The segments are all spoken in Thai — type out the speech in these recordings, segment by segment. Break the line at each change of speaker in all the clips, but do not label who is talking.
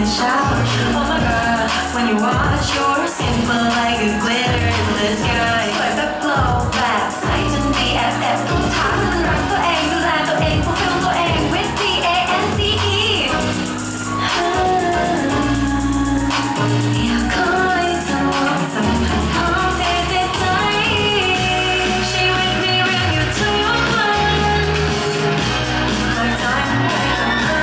shout. Oh my god, when you watch your skin flow like a glitter in the sky. สวยแบบโกลว์แบบใสจน BFF ต้องถามมันรักตัวเองดูแลตัวเองฟูลฟิลตัวเอง with DANCE อยากขอให้เธอสัมผัสความเท่ในใจชีวิตมีเรื่องอยู่ทุกวันคอยใจมันไปทำเธอ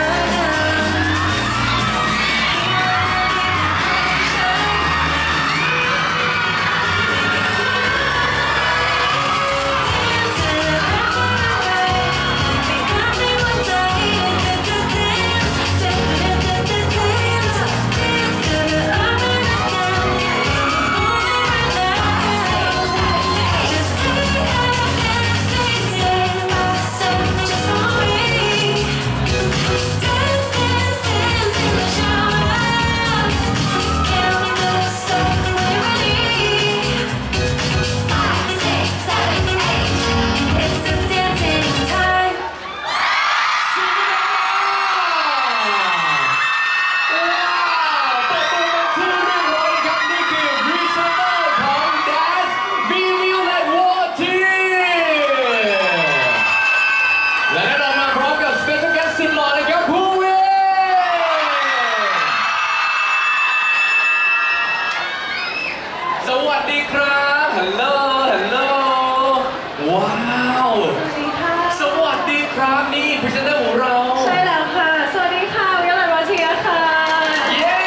สวัสดีครับฮัลโหลฮัลโหลว้าวสวัสดีค่ะสวัสดีครับนี่พรีเซนเตอร์ของเรา
ใช่แล้วค่ะสวัสดีค่ะวิลาโรเทียค่ะ
เย้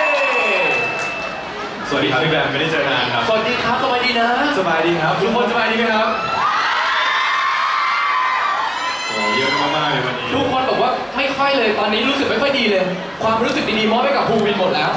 สวัสดีครับพี่แบมไม่ได้เจอนานครับ
สวัสดีครับสบายดีนะ
สบายดีครับทุกคนสบายดีไหมครับโอ้เยอะมากๆเลยวันนี้
ทุกคนบอกว่าไม่ค่อยเลยตอนนี้รู้สึกไม่ค่อยดีเลยความรู้สึกดีๆมอบให้กับภูวินหมดแล้ว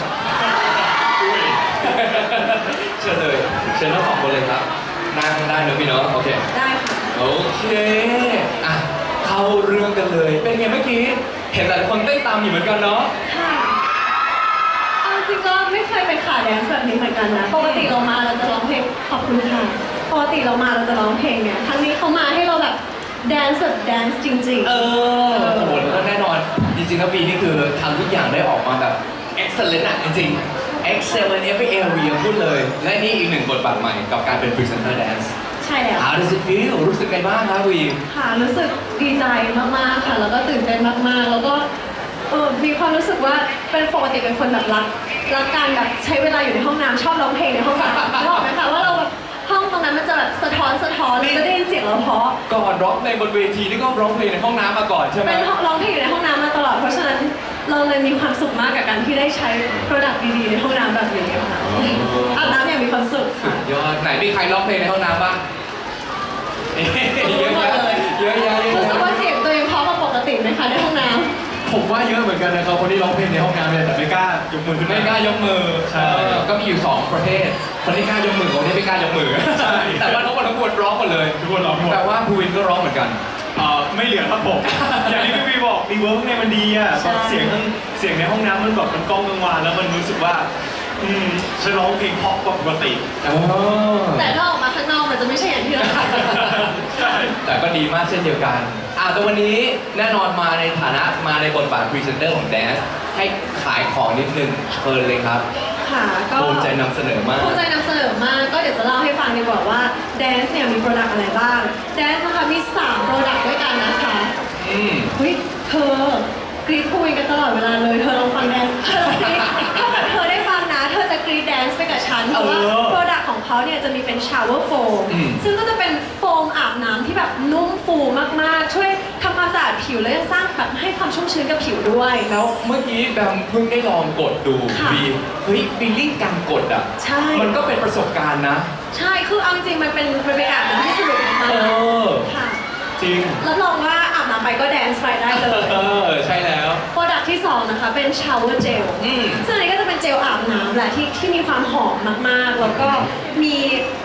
เชิญเลยเชิญทั้งสองคนเลยครับนั่งได้เนอะพี่เนาะโอเค
ได้ค่ะ
โอเคอ่ะเข้าเรื่องกันเลยเป็นไงเมื่อกี้เห็นหลายคนเต้นตามอยู่เหมือนกันเนาะ
ค่ะเอาจริงก็ไม่เคยเป็นขาแดนซ์แบบนี้เหมือนกันนะปกติเรามาเราจะร้องเพลงขอบคุณค่ะปกติเรามาเราจะร้องเพลงเนี่ยครั้งนี้เขามาให้เราแบบแดนซ์แบบแดนซ์จริงๆ
โอ้โหแล้วก็แน่นอนจริงๆแล้วปีนี้คือทำทุกอย่างได้ออกมาแบบ excellent อะจริงๆ excellent every area พูดเลยและนี่อีกหนึ่งบทบาทใหม่กับการเป็น presenter dance
ใช่แล้ว
How does it feel รู้สึกไงบ้างครับวี
ค่ะรู้สึกดีใจมากๆค่ะแล้วก็ตื่นเต้นมากๆแล้วก็มีความรู้สึกว่าเป็นปกติเป็นคนแบบรักการแบบใช้เวลาอยู่ในห้องน้ำชอบร้องเพลงในห้องน้ำนึกออกไหมคะว่าเราแบบห้องตรงนั้นมันจะแบบสะท้อนแล้วก็ได้ยินเสียงเราเพราะ
ก่อนร้องเพลงบนเวทีนี่ก็ร้องเพลงในห้องน้ำมาก่อนใช่ไหม
เป็นร้องเพลงอยู่ในห้องน้ำมาตลอดเพราะฉะนั้นเราเลยมีความสุขมากกับการที่ได้ใช้โปรดักต์ดีๆในห้องน้ำแบบนี้ค่ะอาบน้ำอย่างมีความสุขค่ะ
ยอดไหนมีใครร้องเพลงในห้องน้ำบ้างเยอะแยะ
รู้สึกว่าเสียงตัวเองเพราะกว่าปกติไหมคะในห้องน้ำ
ผมว่าเยอะเหมือนกันนะครับคนที่ร้องเพลงในห้องน้ำเนี่ยแต่ไม่กล้ายกมือขึ้น
ไม่กล้ายกมือ
ใช่
ก็มีอยู่2ประเภทคนที่กล้ายกมือกับคนที่ไม่กล้ายกมือ
ใช่
แต่ว่าทั้งหมดร้องหมดเลย
ทุกคนร้องหมด
แต่ว่าภูวินก็ร้องเหมือนกัน
ไม่เหลือครับผมอย่างที่พี่วีบอกรีเวิร์กข้างในมันดีอ่ะเสียงในห้องน้ำมันแบบมันก้องกังวานแล้วมันรู้สึกว่าฉันร้องเพลงเพราะกว่าปกติ
แต่ถ้าออกมาข้างนอกมันจะไม่ใช่อย่างที่เราคิด
ใช่
แต่ก็ดีมากเช่นเดียวกันแต่วันนี้แน่นอนมาในฐานะมาในบทบาทพรีเซนเตอร์ของ Dance ให้ขายของนิดนึงเชิญเลยครับ
ค่ะก็
ภูมิใจนำเสนอมาก
ภูมิใจนำเสนอมากก็เดี๋ยวจะเล่าให้ฟังดีกว่าว่า Dance เนี่ยมีโปรดักต์อะไรบ้าง Dance นะคะมี3โปรดักต์ด้วยกันนะคะเฮ้ยเธอกรี๊ดคุยกันตลอดเวลาเลยเธอลองฟัง Dance ถ้าเกิดเธอได้ฟังนะเธอจะกรี๊ด Dance ไปกับฉันเพราะว่าโปรดักต์ของเขาเนี่ยจะมีเป็น shower foam ซึ่งก็จะเป็นโฟมอาบน้ำที่แบบนุ่มฟูมากๆช่วยทำความสะอาดผิวแล้วยังสร้างแบบให้ความชุ่มชื้นกับผิวด้วย
แล้วเมื่อกี้แบมเพิ่งได้ลองกดดูเฮ้ยฟีลลิ่งการกดอ่ะ
ใช่
มันก็เป็นประสบการณ์นะ
ใช่คือเอาจริงๆมันเป็นอาบน้ำที่สนุกมากค่ะ
จริง
รับรองว่าอาบน้ำไปก็แดนซ์ไปได้เลย
ใช่แล้ว
โปรดักต์ที่2นะคะเป็นชาวเวอร์เจลซึ่งอันนี้ก็จะเป็นเจลอาบน้ำแหละที่มีความหอมมากๆแล้วก็มี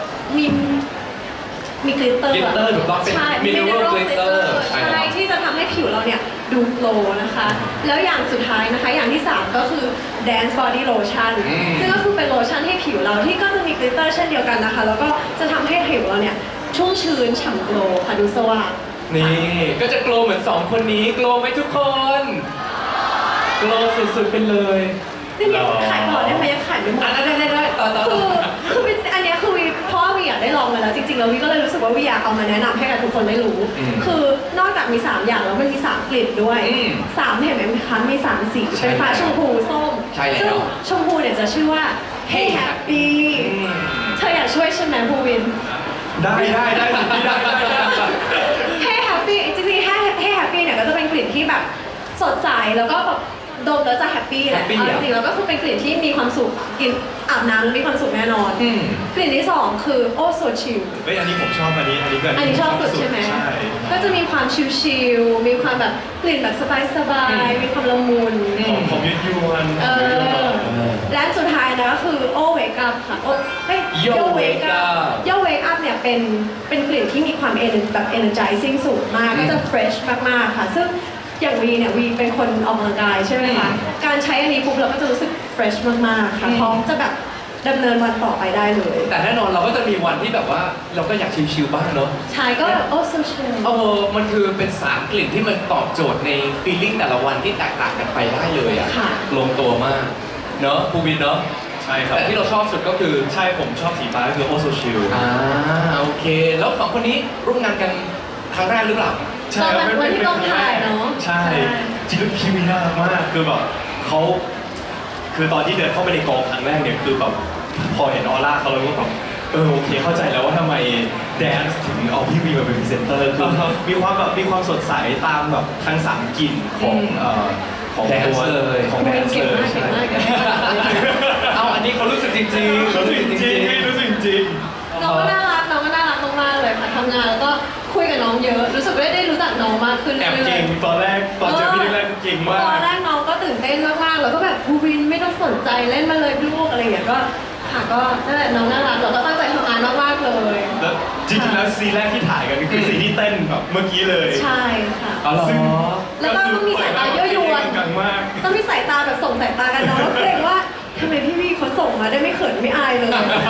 กลิตเตอร์
ถูกต้องเป็นมิเนอรัลกลิตเตอร์
ใช่ที่จะทำให้ผิวเราเนี่ยดูโกลว์นะคะแล้วอย่างสุดท้ายนะคะอย่างที่3ก็คือ Dance Body Lotion ซึ่งก็คือเป็นโลชั่นให้ผิวเราที่ก็จะมีกลิตเตอร์เช่นเดียวกันนะคะแล้วก็จะทำให้ผิวเราเนี่ยชุ่มชื้นฉ่ำโกลว์ค่ะดูสว่าง
นี่ก็จะโกลว์เหมือน2คนนี้โกลว์ไหมทุกคนโกลสุดๆไปเลย
นี่ยังขายต่อได้ไหมยังขายไม่หมด
ได้ต่อ
คือเป็นอันเนี้ยคือวีเพราะว่าวีอยากได้ลองมาแล้วจริงๆแล้ววีก็เลยรู้สึกว่าวีอยากเอามาแนะนำให้กับทุกคนได้รู้ คือนอกจากมี 3 อย่างแล้วมันมี 3 กลิ่นด้วย3เห็นไหมคะมี 3 สีเป็นฟ้าชมพูส้มซึ่งชมพูเนี่ยจะชื่อว่า Hey Happy เธออยากช่วยใช่ไหมภูวิน
ได้
Hey Happy จริงๆ Hey Happy เนี่ยก็จะเป็นกลิ่นที่แบบสดใสแล้วก็แบบดมแล้วจะแฮปปี้แหละจริงๆแล้วก็คือเป็นกลิ่นที่มีความสุขกินอาบน้ำมีความสุขแน่นอนกลิ่นที่ 2 คือ Oh So Chill
เฮ้ยอันนี้ผมชอบอันนี้ก็
อันนี้ชอบสุดใช่ไหม
ใช่
ก็จะมีความชิลๆมีความแบบกลิ่นแบบสบายๆมีความละมุน
ของยวน
และสุดท้ายนะก็คือ Oh Wake Up ค่ะ
Yo Wake Up
Yo Wake Up เนี่ยเป็นกลิ่นที่มีความแบบ energizing สูงมากก็จะ fresh มากๆค่ะซึ่งอย่างวีเนี่ยวีเป็นคนออกกำลังกายใช่ไหมคะการใช้อันนี้ปุ๊บเราก็จะรู้สึก fresh มากๆค่ะพร้อมจะแบบดำเนินวันต่อไปได้เลย
แต่แน่นอนเราก็จะมีวันที่แบบว่าเราก็อยากชิลๆบ้างเนอะ
ใช่ก็ Oh So Chill
มันคือเป็น3กลิ่นที่มันตอบโจทย์ในฟีลลิ่งแต่ละวันที่แตกต่างกันไปได้เลยอ่ะ
ค่ะ
ลงตัวมากเนอะภูวินเนอะ
ใช่ครับ
แต่ที่เราชอบสุดก็คือ
ใช่ผมชอบสีฟ้าก็คือโอโซชิล
โอเค แล้ว2คนนี้ร่วมงานกันครั้งแรกหรือเปล่า
ใช่ครับ
วันที่กองถ่ายเนอะ
ใช่จริงๆพี่วีน่ารักมากคือแบบเขาคือตอนที่เดินเข้าไปในกองครั้งแรกเนี่ยคือแบบพอเห็นออร่าเขาแล้วก็แบบโอเคเข้าใจแล้วว่าทำไมแดนซ์ถึงเอาพี่วีมาเป็นพรีเซนเตอร์คือมีความสดใสตามแบบทั้ง3กลิ่นของตัว
แดนซ์เลย
ของแดนซ์เลย
เก่งมากเก่งมาก
เอาอันนี้เขารู้สึกจริงๆ
รู้สึกจริงรู้สึกจริง
น้องก็น่ารักมากๆเลยค่ะทำงานแล้วก็คุยกับน้องเยอะ รู้สึกได้รู้จักน้องมากขึ้น
แอบ
เรื่
เก่
อย
งตอนเจอพี่แรกๆเก่ง
ๆ
มา
ตอน
ก
แรกน้องก็ตื่นเต้นมากๆแล้วก็แบบภูวินไม่ต้องสนใจเล่นมาเลยลูกอะไรอย่างเงี้ยก็ค่ะก็นั่นแหละน้องน่ารักเราก็ตั้งใจทำงานมากๆเลย
แล้วจริงๆแล้วซีนแรกที่ถ่ายกันคือซีนที่เต้นแบบเมื่อกี้เลย
ใช่ค่ะ
อ๋อเหรอ
ซึ่ง
แล้วก็ต้องมีสายตายั่วยวน
กังมาก
ต้องมีสายตาแบบส่งสายตากันน้องแล้วเกรงว่าทำไมพี่วีเขาส่งมาได้ไม่เขินไม่อายเลย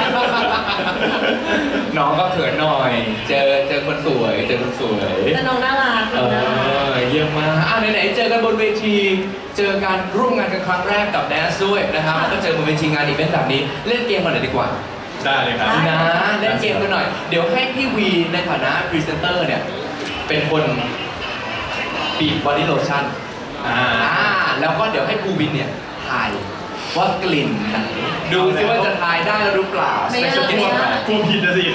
น้องก็เขินหน่อย เจอคนสวย
แต่น้องน่ารักน้องน่ารัก
เยี่ยมมากไหนๆเจอกันบนเวที เจอการร่วมงานกันครั้งแรกกับแดนซ์ด้วยนะครับแล้วก็เจอบนเวทีงานอีเวนต์แบบนี้ เล่นเกมกันหน่อยดีกว่า
ได้เลยครับ
นะเล่นเกมกันหน่อย เดี๋ยวให้พี่วีในฐานะพรีเซนเตอร์เนี่ย เป็นคนบีบบอดี้โลชั่นแล้วก็เดี๋ยวให้ภูวินเนี่ยทายว่ากลิ่นไหนดูซิว่าจะทายได้หรือเปล่า
ไม่ยาก
Special guest
กลัวผิดนะสิ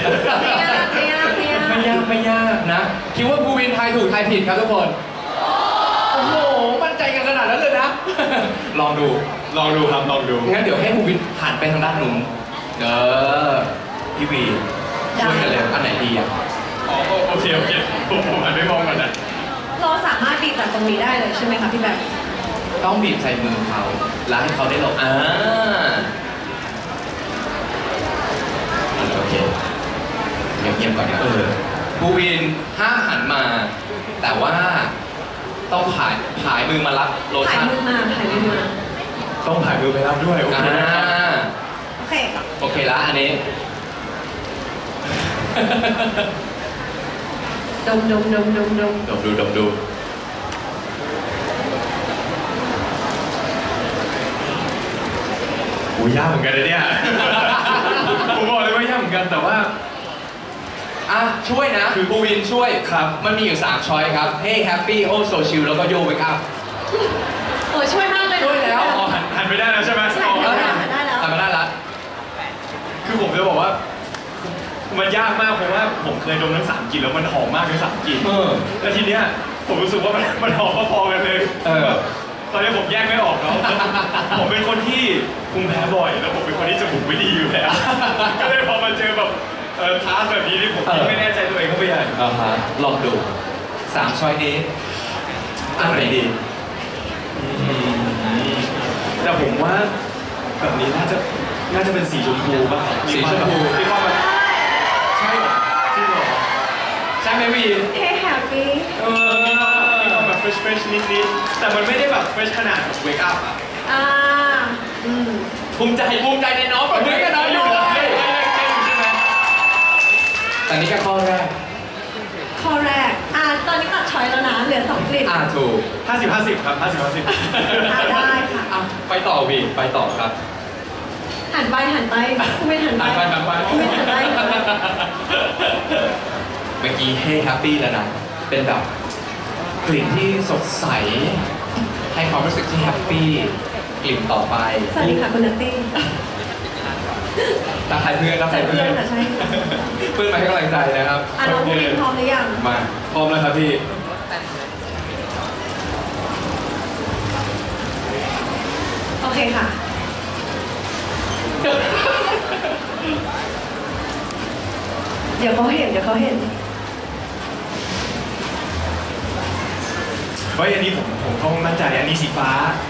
ไม่ยากนะ คิดว่าภูวินทายถูกทายผิดครับทุกคน โอ้โห มั่นใจกันขนาดนั้นเลยนะ ลองดู
ลองดูครับลองดู
งั้นเดี๋ยวให้ภูวินหันไปทางด้านนู้นพี่วีช่วยกันเลยอันไหนดีอ่ะ
โอเคผมหันไปมองก่อนนะ
เราสามารถบีบจากตรงนี้ได้เลยใช่ไหมคะพี่แบงค์
ต้องบีบใส่มือเขาแล้วให้เขาได้ลงโอเคเงียบๆก่อนนะภูวินห้ามหันมา แต่ว่าต้องผายมือมารับโล
ถ่าย
ชั่น
มือมา
ต้องถ่ายมือไปรับด้วยโอเคนะครับ
โอเค
โอเคละอันนี้
ดม
ดมดู
ยากเหมือนกันเลยเนี่ย ผมบอกเลยว่ายากเหมือนกันแต่ว่า
ช่วยนะภูวินช่วยครับมันมีอยู่3ช้อยครับ Hey Happy Oh So Chill แล้วก็ Yo Wake Up
ช่วยมากเลย
ช่วยแล้ว
หันไปได้แล้วใช่ไหม
ใช่ได้แล้ว
ทำมาได้ละ
คือผมจะบอกว่า มันยากมากเพราะว่าผมเคยดมทั้ง3กลิ่นแล้วมันหอมมากทั้ง3กลิ่นแล้วทีเนี้ยผมรู้สึกว่ามันหอมพอๆกันเลยตอนนี้ผมแยกไม่ออกเนาะผมเป็นคนที่ภูมิแพ้บ่อยแล้วผมเป็นคนที่จมูกไม่ดีอยู่แล้วก็เลยพอมาเจอแบบคลาสแบบนี้ที่ผมไม่แน่ใจตัวเองเข้าไปใหญ่
ลองดู3ช้อยนี้อันไหนดี
แต่ผมว่าแบบนี้น่าจะเป็นสีชมพูป่ะ
สีชมพู
มีความแบบใช่เหรอจริงเหรอ
ใช่ไหมวี
เฮ้แฮปปี้
มีความแบบเฟรชนิดๆแต่มันไม่ได้แบบเฟรชขนาดเวกอัพอ่ะ
ภูมิใจในน้องปรบมือกับน้องอยู่เลยแต่นี่แค่ข้อแรก
ข้อแรกตอนนี้ตัดช้อยแล้วนะเหลือ2กลิ่นกลิ่น
ถูก
50-50 ครับ50-50
ได้ค่ะ
อ่ะไปต่อวีไปต่อครับ
หันไปคุณไม่หันไป
หันไป
คุณไม่หันไป
เมื่อกี้ให้แฮปปี้แล้วนะ เป็นแบบกลิ่นที่สดใส ให้ความรู้สึกที่แฮปปี้กลิ่นต่อไป
สวัสดีค่ะคุณนัตตี้
ตาใครเพื่อนตาใครเพื่อน
ค่ะใช่
เพื่อนมาให้กำลังใจนะครับ
อ่ะน้องผู้บินพร้อมหรือยัง
มา
พร้อมแล้วครับพี่
โอเคค่ะ เดี๋ยวเขาเห็น
เฮ้ยอันนี้ผมต้องมั่นใจอันนี้สีฟ้า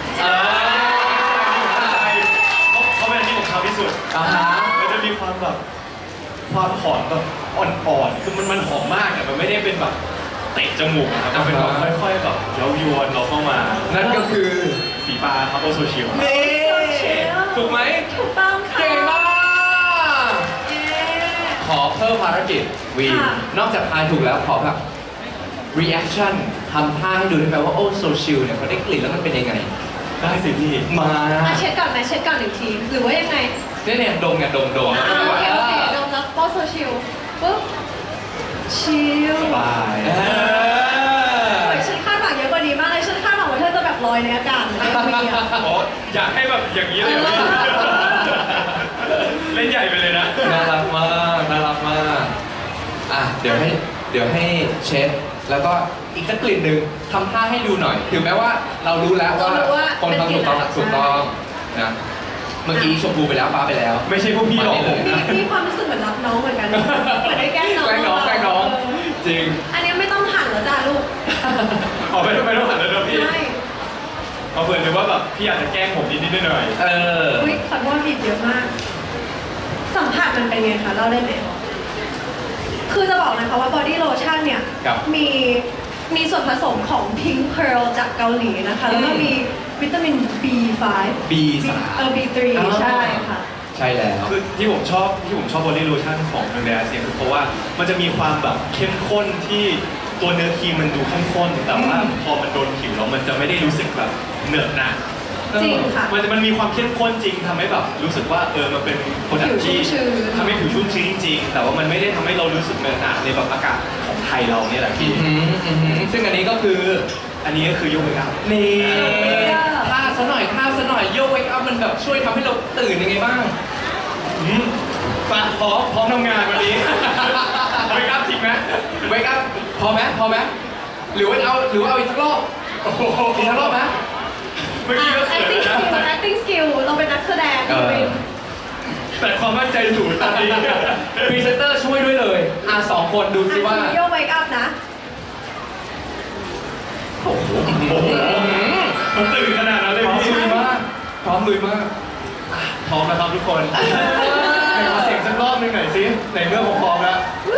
เพราะเป็นอันที่ผมชอบที่สุด มันจะมีความแบบความหอมแบบอ่อนๆ คือมันหอมมากแต่มันไม่ได้เป็นแบบเตะจมูกนะครับมันเป็นแบบค่อยๆแบบเย้ายวนเราเข้ามา
นั่นก็คือ
สีฟ้าครับโอโซชิล
นี่ถูกไหม
ถูกต้องค่ะ
เก่งมาก
เย้
ขอเพิ่มภารกิจวี
ค่ะ
นอกจากทายถูกแล้วขอแบบ reaction ทำท่าให้ดูได้ไหมว่าโอ้โซชิลเนี่ยเขาได้กลิ่นแล้วมันเป็นยังไง
ได้สิพี่
มา
เช็ดก่อนไหมเช็ดก่อนอีกทีหรือว่ายังไง
เนี่ยดมไงดม
โอเคดมแล้วโปโซชิลปุ๊บชิล
สบาย
เออ
โอ้ยฉันคาดหวังเยอะกว่านี้มากเลยฉันคาดหวังว่าเธอจะแบบลอยในอากาศในวีอะ
อ๋ออยากให้แบบอย่างนี้เลยเหรอพี่เล่นใหญ่ไปเลยนะ
น่ารักมากน่ารักมากอ่ะเดี๋ยวให้เช็ดแล้วก็อีกสักกลิ่นหนึ่งทำท่าให้ดูหน่อยถึงแม้ว่าเรารู้แล้วว่าคนทำถูกต้องนะเมื่อกี้ชมพูไปแล้วฟ้าไปแล้ว
ไม่ใช่พวกพี่หรอกผม
มีความรู้สึกเหมือนรับน้องเหมือนกันเหมือนได้แกล้งน้อง
แกล้งน้องจริง
อันนี้ไม่ต้องหันแล้วจ้าลูก
ออกไปต้องหันแล้วเดี๋ยวพี่
ใช่
เอาเผื่อเลยว่าแบบพี่อาจจะแกล้งผมนิดๆหน่อย
เออ
อุ้ยขอโทษผิดเยอะมาก สัมผัสมันเป็นไงคะเล่าได้ไหมคือจะบอกนะคะว่า body lotion เนี่ย
ครับ
มีส่วนผสมของ pink pearl จากเกาหลีนะคะ แล้วก็มีวิตามิน B5
B3
B3 ใช่ค่ะ
ใช่แล้ว
คือที่ผมชอบบอดี้โลชั่นของทางแดนเนี่ยคือเพราะว่ามันจะมีความแบบเข้มข้นที่ตัวเนื้อครีมมันดูเข้มข้นแต่ว่าพอมันโดนผิวแล้วมันจะไม่ได้รู้สึกแบบเหนอะหนะ
จริงค่ะ
มันมีความเข้มข้นจริงทำให้แบบรู้สึกว่ามันเป็นโปรดักต์ที่
ผิวชุ่มชื้น
ทำให้ผิวชุ่มชื้นจริงๆแต่ว่ามันไม่ได้ทำให้เรารู้สึกเหนอะหนะในแบบอากาศของไทยเราเนี่ยแหละพี่
ซึ่งอันนี้ก็คือ
อันนี้ก็คือโยกเวกอัพ
นี่
Wake up
ท่าซะหน่อยโยกเวกอัพมันแบบช่วยทำให้เราตื่นยังไงบ้าง
ไปพร้อมทำงานวันนี้ เวกอัพจริงไหม
เวกอัพพอไหมหรือว่าเอาอีกสักรอบ
โอ้โห
อีกสักรอบไหม
เมื่อกี้ก็เขิน
acting
แล้ว
skill
นะ
acting skill เราเป็นนักแสดง
เออ
แต่ความมั่นใจสูงตอนนี้
พรีเซนเตอร์ช่วยด้วยเลยสองคนดูสิว่า
โยก wake up นะ
โอ้โห
โอ้โหมันตื่นขนาดนั้นเลย
พร้อม
พี่
ลุยมากพร้อมลุยมาก
พร้อมแล้วครับทุกคนไหนขอเสียงสักรอบหนึงหน่อยสิในเมื่อผมพร้อมแล้ว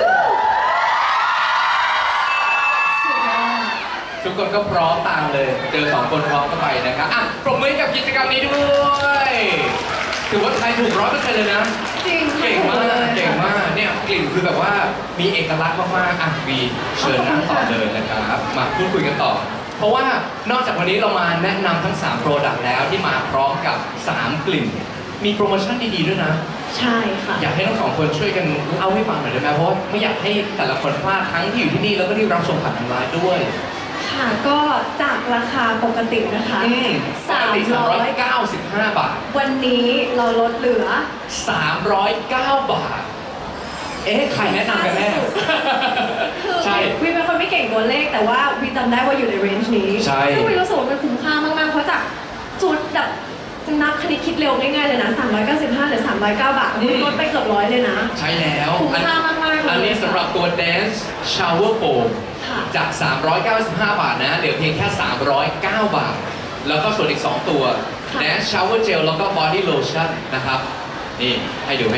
สุดยอด
ทุกคนก็พร้อมตามเลย เจอสองคนพร้อมก็ไปนะครับอ่ะปรบมือให้กับกิจกรรมนี้ด้วยถือว่าใครถูก100%เลยนะ
จริง
เก่งมากเนี่ยกลิ่นคือแบบว่ามีเอกลักษณ์มากๆอ่ะวีเชิญนั่งต่อเลยนะครับมาพูดคุยกันต่อ เพราะว่านอกจากวันนี้เรามาแนะนำทั้ง3 Product แล้วที่มาพร้อมกับ3 กลิ่น มีโปรโมชั่นดีๆด้วยนะ
ใช่ค่ะ
อยากให้ทั้งสองคนช่วยกันเล่าให้ฟังหน่อยได้ไหมเพราะว่าไม่อยากให้แต่ละคนพลาดทั้งที่อยู่ที่นี่แล้วก็ที่รับชมผ่านทางไลน์ด้วย
ค่ะก็จากราคาปกตินะคะ
ปกติ395 บาท
วันนี้เราลดเหลือ
309 บาท เอ๊ะใครแนะนำกันแน่
คือ
ใช่
วีเป็นคนไม่เก่งตัวเลขแต่ว่าวีจำได้ว่าอยู่ในเรนจ์นี้
ใช่
ซึ่งวีรู้สึกว่ามันคุ้มค่ามากๆเพราะจากจุดแบบนับคณิตคิดเร็วง่ายๆเลยนะ395หรือ309 บาทมันลดไปเกือบ100เลยนะ
ใช่แล้ว
คุ้มค่ามากๆเลย
อันนี้สำหรับตัว Dance Shower Foam
ค่ะ
จาก 395 บาทนะเหลือเพียงแค่ 309 บาท แล้วก็ส่วนอีก 2 ตัว
ค่ะ
Dance Shower Gel แล้วก็ Body Lotion นะครับ นี่ให้ดู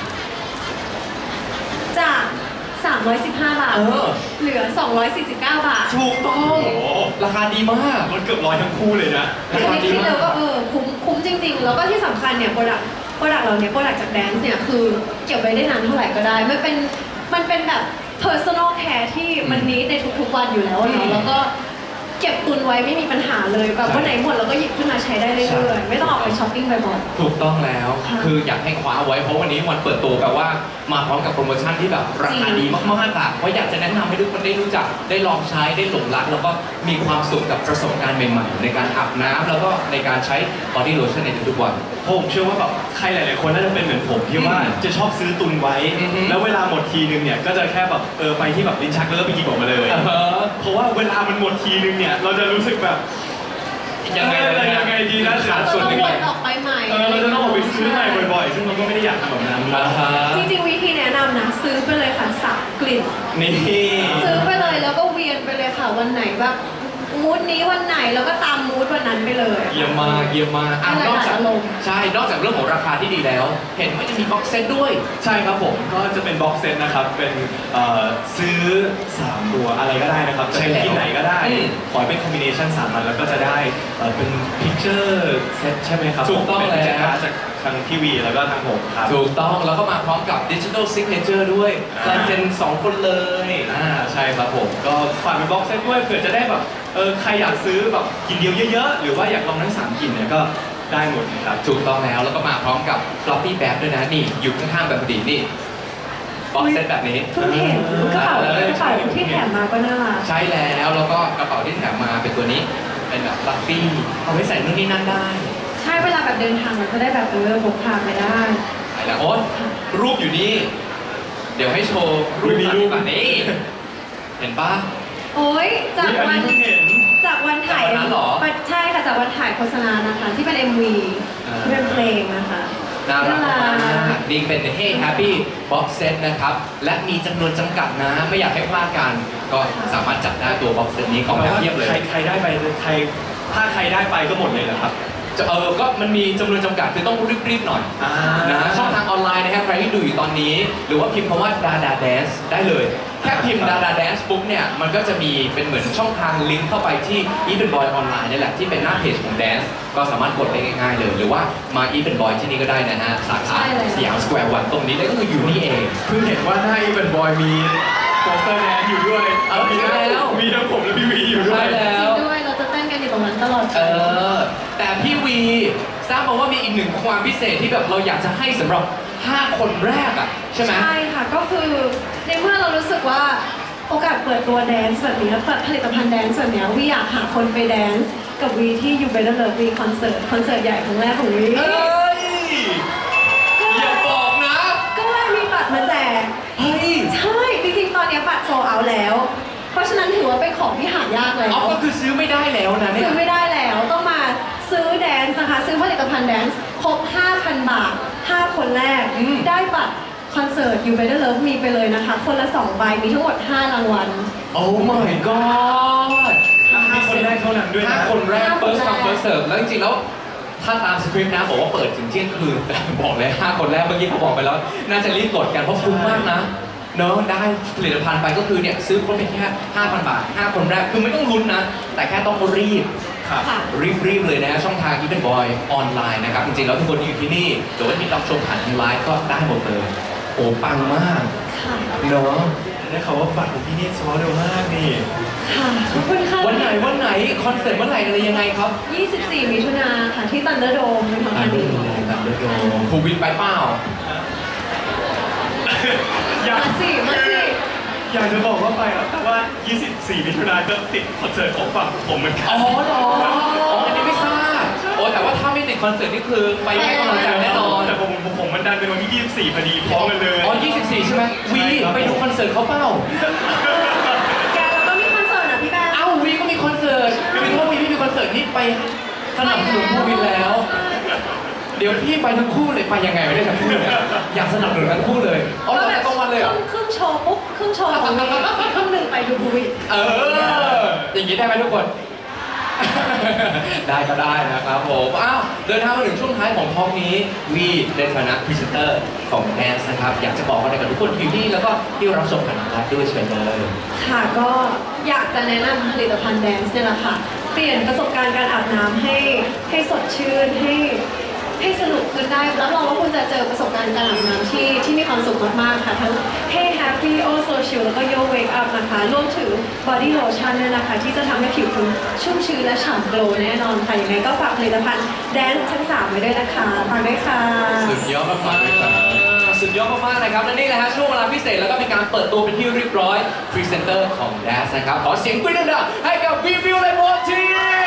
จาก315 บาท เหลือ 249 บาท
ถูกต้อง
โอ้โห
ราคาดีมาก
ลดเกือบ100ทั้งคู่เลยนะ
รา
ค
คา
ณิต
ดี
คิด
มา
เร็
ก
วก็คุ้มจริงๆ แล้วก็ที่สำคัญเนี่ยโปรดักต์เราเนี่ยโปรดักต์จากแดนซ์เนี่ยคือเก็บไว้ได้นานเท่าไหร่ก็ได้ มันเป็นแบบ personal care ที่มันนี้ในทุกๆวันอยู่แล้ว
อื
เนาะ
ม
แล้วก็เก็บตุนไว้ไม่มีปัญหาเลยแบบ
ใช่
วันไหนหมดเราก็หยิบขึ้นมาใช้ได้เรื่
ใช่
อยๆไม่ต้องออกไปช้อปปิ้งบ่อย
ถูกต้องแล้ว
ค่ะ
คืออยากให้คว้าไว้เพราะวันนี้วันเปิดตัวแบบว่ามาพร้อมกับโปรโมชั่นที่แบบราคา
จริง
ดีมากๆอ่ะเพราะอยากจะแนะนำให้ทุกคนได้รู้จักได้ลองใช้ได้หลงรักแล้วก็มีความสุขกับประสบการณ์ใหม่ๆ ในการอาบน้ำแล้วก็ในการใช้บอดี้โลชั่นในทุกๆวัน
ผมเชื่อว่าแบบใครหลายๆคนน่าจะเป็นเหมือนผมที่ว่าจะชอบซื้อตุนไว้
อือฮึ
แล้วเวลาหมดทีนึงเนี่ยก็จะแค่แบบไปที่แบบลิ้นชักแล้วก็ไปหยิบออกมาเลย เพราะว่าเวลามันหมดทีนึงเนี่ยเราจะรู้สึกแบบ
ยังไงล่ะ
ยังไงดีนะ
ขาด
ๆ
ส่วนหนึ่ง
ว
ไป
นออกไปใหม่
เราจะต้องออกไปซื้อใหม่บ่อยๆ ซึ่งเราก็ไม่ได้อยากทำแบบนั้น
อ่าฮะ
จริงๆวิธีแนะนำนะซื้อไปเลยค่ะ3 กลิ่น
นี่
ซื้อไปเลยแล้วก็เวียนไปเลยค่ะวันไหนแบบมูดนี้วันไหนแล้วก็ตามมูดวันนั้นไปเลย
เยี่ยมมากเยี่ยมมากอ่ะ
ให้
นอก
หลายๆ
จาก
อารมณ์
ใช่นอกจากเรื่องของราคาที่ดีแล้ว เห็นว่าจะมีบ็อกเซตด้วย
ใช่ครับผมก็จะเป็นบ็อกเซตนะครับเป็นซื้อ3ตัวอะไรก็ได้นะครับจะ
ใช่แล้ว
ที่ไหนก็ได้
อืม
ขอให้เป็นคอมบิเนชัน3อันแล้วก็จะได้เป็นพิกเจอร์เซตใช่ไหมครับ
ถูกต้อง
เป็น
แล้ว
การ์ดจากทางทีวีแล้วก็ทางผมครับ
ถูกต้องแล้วก็มาพร้อมกับดิจิทัลซิกเนเจอร์ด้วยลายเซ็น2 คนเลย
ใช่ครับผมก็ฝากเป็นบ็อกเซตด้วยเผื่อจะได้แบบใครอยากซื้อแบบกินเดียวเยอะๆ หรือว่าอยากลองทั้ง3กลิ่นเนี่ยก็ได้หมดนะครับ
ถูกต้องแล้วก็มาพร้อมกับ floppy bag ด้วยนะนี่อยู่ข้างๆแบบพอดีนี่บ็อกเซตแบบนี้
เพิ่งเห็นกระเป๋ที่แถมมาก็น่ารัก
ใช้แล้วก็กระเป๋าที่แถมมาเป็นตัวนี้เป็นแบบ fluffy เอาไว้ใส่นู่นนี่นั่นได้
ใช่เวลาแบบเดินทางเราจะได้แบบพกพาไปได้
ไปแล้วโอ๊ตรูปอยู่นี่ เดี๋ยวให้โชว์รูป
มีรูป
แบบนี้เห็นปะ
โอ้ยจาก
อัน
วัน
นี้เพิ่งเห็น
จากวันถ่าย
จากวันนั้นเหรอ
ใช่ค่ะจากวันถ่ายโฆษณานะคะที่เป็น MV ที่เป็นเพลงนะคะ
น่ารักมากนี่เป็น Hey Happy Box Set นะครับ และมีจำนวนจำกัดนะ ไม่อยากให้พลาดกัน ก็สามารถจัดได้ตัว Box Set นี้ของแบบเทียบเลย
ใครได้ไปถ้าใครได้ไปก็หมดเลยเหรอครับ
ก็มันมีจำนวนจำกัดคือต้องรีบๆหน่อย นะช่องทางออนไลน์นะครับใครที่ดูอยู่ตอนนี้ หรือว่าพิมพ์คำว่า Dada Dance ได้เลย แค่พิมพ์ Dada Dance ปุ๊บเนี่ย มันก็จะมีเป็นเหมือนช่องทางลิงก์เข้าไปที่ Even Boy ออนไลน์นี่แหละ ที่เป็นหน้าเพจของ Dance ก็สามารถกดได้ง่ายๆเลย หรือว่ามา Even Boy ที่นี่ก็ได้นะฮะ สาขา
ใช่เลย
สยามสแควร์วันตรงนี้เลยก็คืออยู่นี่เอง
เพิ่งเห็นว่าหน้าอีเวนบอยมีโปสเตอร์แดนอยู่ด้วย
มี
ทั้ง
แล้ว
มีทั้งผมและพี่วีอยู่ด้ว
ใช่
ย
แล้
จริ
ว
งด้วยเราจะเต้นกันอยู่ตรงนั้นตลอด
แต่พี่วีทราบมาว่ามีอีกหนึ่งความพิเศษที่แบบเราอยากจะให้สำหรับ 5 คนแรกอ่ะใช่ไหม
ใช่ค่ะก็คือในเมื่อเรารู้สึกว่าโอกาสเปิดตัวแดนซ์แบบนี้เปิดผลิตภัณฑ์แดนซ์แบบนี้วีอยากหาคนไปแดนซ์กับวีที่อยู่เบลเลอร์วีคอนเสิร์ตใหญ่ครั้งแรกของวี
เอ้ยอย่าบอกนะ
ก็เลยมีบัตรมาแจก
เฮ้ย
ใช่จริงๆตอนนี้บัตรโซลเอาท์แล้ว เพราะฉะนั้นถือว่าเป็นของที่หายากแล้ว
เอาก็คือซื้อไม่ได้แล้วนะเนี่ย
ซื้อไม่ได้แล้วต้องมาซื้อแดนซ์นะคะซื้อผลิตภัณฑ์แดนซ์ครบ 5,000 บาท 5 คนแรก ได้บัตรคอนเสิร์ต You Better Love Me ไปเลยนะคะ คนละ 2 ใบ มีทั้งหมด 5 รางวัล
โอ้ my god
5 คนแรกเท่านั้นด้วยนะ
5 คนแรก
5
first
คน
come
แรก
first serve แล้วจริงๆแล้วถ้าตามสคริปต์นะบอกว่าเปิดถึงเที่ยงคืน แต่บอกเลย 5 คนแรกเมื่อกี้เขาบอกไปแล้ว น่าจะรีบกดกันเพราะคุ้มมากนะเนอะได้ผลิตภัณฑ์ไปก็คือเนี่ยซื้อครบเพียงแค่ 5,000 บาท 5 คนแรกคือไม่ต้องลุ้นนะ แต่แค่ต้องรีบ
ครับ
ค่ะ
รีบเลยนะฮะช่องทาง Even Boy ออนไลน์นะครับ จริงๆแล้วทุกคนที่อยู่ที่นี่หรือว่าที่รับชมผ่านทางไลฟ์ก็ได้หมดเลย โอ้ปังมาก
ค่ะ
เนาะ
ได้ข่าวว่าบัตรของพี่นี่สวอเร็วมากนี่
ค่ะขอบคุณค่ะ
วันไหนคอนเสิร์ตเมื่อไหร่อะไรยังไงครับ
24 มิถุนาค่ะที่ตันเดอร์โดมเป็นของ
ตา
ทาม ง
เดิ
นี้
มภูวินไปเปล่า
อยาก
มาสิ
อยากจะบอกว่าไปครับแต่ว่า 24 มิถุนายนก็ติดคอนเสิร์ตของฝั่งผมเหมือนกั
อ๋
น
อเหรออ๋ออันนี้ไม่ทราบโอ้แต่ว่าถ้าไม่ติดคอนเสิร์ตนี่คือไปให้กำลังใจแน่นอน
แต่ผมมันดันเป็นวันที่ 24 พอดีพร้อมกันเลย
อ๋อ24 ใช่ไหมวี
ใช่ครับ
ไปดูคอนเสิร์ตเขาเปล่า
แกเราก็มีคอนเสิร์ตนะพี่แบงค์
เอ้าวีก็มีคอนเสิร์ตวีถ้าวีไม่มีคอนเสิร์ตนี่ไปสนับสนุนภูวินแล้ว เดี๋ยวพี่ไปทั้งคู่เลยไปยังไงไม่ได้ทั้งคู่เนี่ยอยากสนับสนุนทั้งคู่เลยอ๋อเราแต่ตรงวันเลยเหรอ
ครึ่งโชว์ปุ๊บครึ่งโชว์ของวีครึ่งหนึ่งไปดูบูวิ
อย่างนี้ได้ไหมทุกคน ได้ก็ได้นะครับผมอ้าวเดินทางมาถึงช่วงท้ายของทอล์กนี้วีในฐานะพรีเซนเตอร์ของแดนซ์นะครับอยากจะบอกอะไรกับทุกคนที่อยู่นี่แล้วก็ที่รับชมผ่านทางไลฟ์ด้วยเชิญเลย
ค่ะก็อยากจะแนะนำผลิตภัณฑ์แดนซ์เนี่ยแหละค่ะ เปลี่ยนประสบการณ์การอาบน้ำให้สดชื่นให้สนุกขึ้นนได้รับรองว่าคุณจะเจอประสบการณ์การอาบน้ำที่มีความสุขมากๆค่ะทั้ง Hey Happy Oh So Chill แล้วก็ Yo Wake Up นะคะรวมถึง Body Lotion ด้วยนะคะที่จะทำให้ผิวคุณชุ่มชื้นและฉ่ำโกลว์แน่นอนค่ะยังไงก็ฝากผลิตภัณฑ์ Dance ทั้ง3ไว้ด้วยนะคะฝากด้วยค่ะ
สุดยอดมากๆสุดยอดมากๆนะครับและนี่แหละฮะช่วงเวลาพิเศษแล้วก็มีการเปิดตัวเป็นที่เรียบร้อยพรีเซนเตอร์ของ Dance นะครับขอเสียงปรบมือดังๆให้กับวีวิวและโมที